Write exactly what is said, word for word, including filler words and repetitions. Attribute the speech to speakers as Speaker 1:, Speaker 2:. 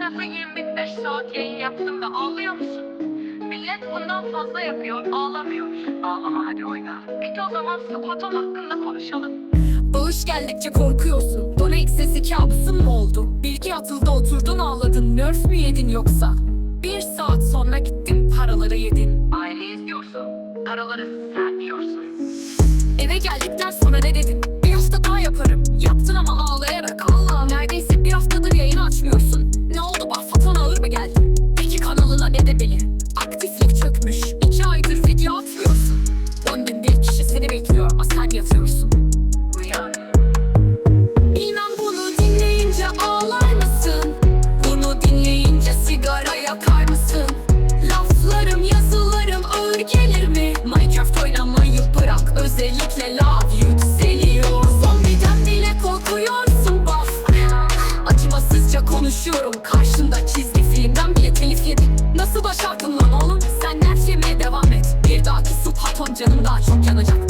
Speaker 1: defa yirmi beş saat yayın yaptım da ağlıyor musun? Millet bundan fazla yapıyor, ağlamıyor. Ağlama hadi oyna. Peki o zaman Squat'un hakkında konuşalım.
Speaker 2: Bağış geldikçe korkuyorsun. Donate sesi kabusun mu oldu? Bilgi atıldı oturdun ağladın. Nerf mü yedin yoksa? Bir saat sonra gittin paraları yedin.
Speaker 1: Aile izliyorsun, paraları sen yiyorsun.
Speaker 2: Eve geldikten sonra ne dedin? Bir hafta daha yaparım. Yaptın ama ağlayarak. Allah, neredeyse bir haftadır yayın açmıyorsun. Ne oldu, Baffatan ağır mı geldi? Peki kanalına ne demeli? Aktiflik çökmüş. İki aydır video atmıyorsun. On bin bir kişi seni bekliyor ama sen yatıyorsun.
Speaker 1: Uyan.
Speaker 2: İnan bunu dinleyince ağlar mısın? Bunu dinleyince sigara yakar mısın? Laflarım, yazılarım ağır gelir mi? Minecraft oynamayı bırak, özellikle love yükseliyor. Zombiden bile korkuyorsun baf. Acımasızca konuşuyorum karşında, çizgi filmden bile telif yedim. Nasıl başardın lan oğlum? Sen nerf yemeye devam et. Bir dahaki Squaton canım daha çok yanacak.